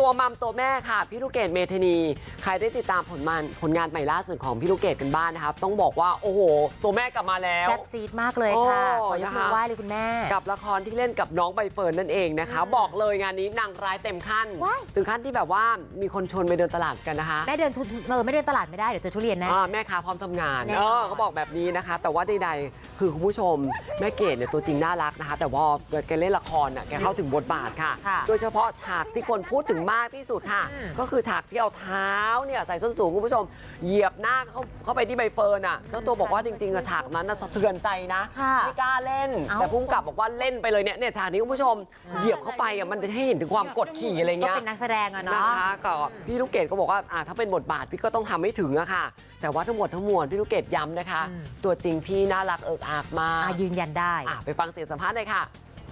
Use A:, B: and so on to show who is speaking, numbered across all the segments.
A: ตัวมัมตัวแม่ค่ะพี่ลูกเกดเมธานีใครได้ติดตามผลงานใหม่ล่าสุดของพี่ลูกเกดกันบ้างนะครับต้องบอกว่าโอ้โหตัวแม่กลับมาแล้ว
B: แซ่บซีดมากเลยค่ะขอยกมือไหว้เลยคุณแม่
A: กับละครที่เล่นกับน้องใบเฟิร์นนั่นเองนะคะบอกเลยงานนี้นางร้ายเต็มขั้นถึงขั้นที่แบบว่ามีคนชวนไปเดินตลาดกันนะคะ
B: แม่เดินไม่เดินตลาดไม่ได้เดี๋ยวเจอทุเรียนแน่
A: แม่ค้าพร้อมทำงานเขาบอกแบบนี้นะคะแต่ว่าใดๆคือคุณผู้ชมแม่เกดเนี่ยตัวจริงน่ารักนะคะแต่ว่าแกเล่นละครแกเข้าถึงบทบาทค่ะโดยเฉพาะฉากที่คนพูดถึงมากที่สุดค่ะก็คือฉากที่เอาเท้าเนี่ยใส่ส้นสูงคุณผู้ชมเหยียบหน้าเข้าไปที่ใบเฟิร์นเจ้าตัวบอกว่าจริงๆฉากนั้นสะเทือนใจนะไม่กล้าเล่นแต่พุ่งกลับบอกว่าเล่นไปเลยเนี่ยฉากนี้คุณผู้ชมเหยียบเข้าไปมันจะให้เห็นถึงความกดขี่อะไรเงี้ย
B: ก็เป็นนักแสดงเนาะ
A: นะคะก็พี่ลูกเกดก็บอกว่าถ้าเป็นบทบาทพี่ก็ต้องทำให้ถึงอะค่ะแต่ว่าทั้งหมดทั้งมวลพี่ลูกเกดย้ำนะคะตัวจริงพี่น่ารักเอิกอักมาก
B: ยืนยันได้
A: ไปฟังเสียงสัมภาษณ์เลยค่ะ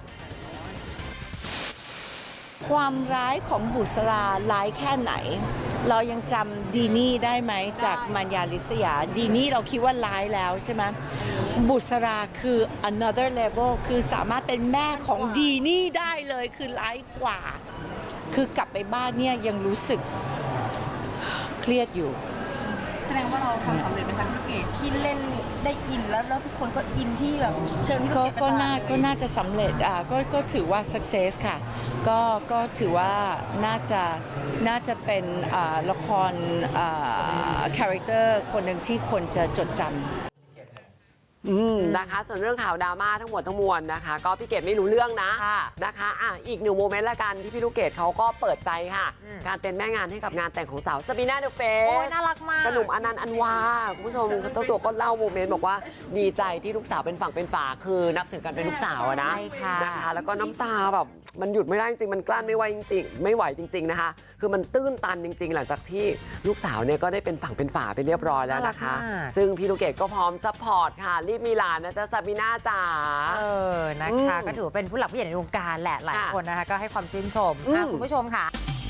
C: ความร้ายของบุษราร้ายแค่ไหนเรายังจำดีนี่ได้ไหมจากมัญญาลิศยาดีนี่เราคิดว่าร้ายแล้วใช่ไหมบุษราคือ another level คือสามารถเป็นแม่ของดีนี่ได้เลยคือร้ายกว่าคือกลับไปบ้านเนี่ยยังรู้สึกเครียดอยู่
D: แสดงว่าเราทำสำเร็จเป็นทางพี่เกดที่เล่นได้อินแล้วทุกคนก็อินที่แบบเชิญพี่เกด
C: ก็น่าจะสำเร็จก็ถือว่า success ค่ะก็ถือว่าน่าจะเป็นละครคาแรคเตอร์คนหนึ่งที่คนจะจดจำ
A: นะคะส่วนเรื่องข่าวดราม่าทั้งหมดทั้งมวลนะคะก็พี่เกดไม่รู้เรื่องนะนะคะอีกหนึ่งโมเมนต์ละกันที่พี่ลูกเกดเขาก็เปิดใจค่ะการเป็นแม่งานให้กับงานแต่งของสาวซาบีน่าเดอะเฟส
B: น่ารักมาก
A: กระหนุ่มอนันต์อันวาคุณผู้ชมเจ้าตัวก็เล่าโมเมนต์บอกว่าดีใจที่ลูกสาวเป็นฝั่งเป็นฝาคือนับถือกันเป็นลูกสาวนะนะคะแล้วก็น้ำตาแบบมันหยุดไม่ได้จริงมันกลั้นไม่ไหวจริงๆไม่ไหวจริงๆนะคะคือมันตื้นตันจริงๆหลังจากที่ลูกสาวเนี่ยก็ได้เป็นฝั่งเป็นฝาไปเรียบร้อยแล้วนะคะซึ่งพี่ลูกเกดก็พร้อมซัพพอร์ตค่ะรีบมีหลานนะจ๊ะซาบีน่าจ๋า
B: นะคะก็ถือว่าเป็นผู้หลักผู้ใหญ่ในวงการแหละหลายคนนะคะก็ให้ความชื่นชมคุณผู้ชมค่ะ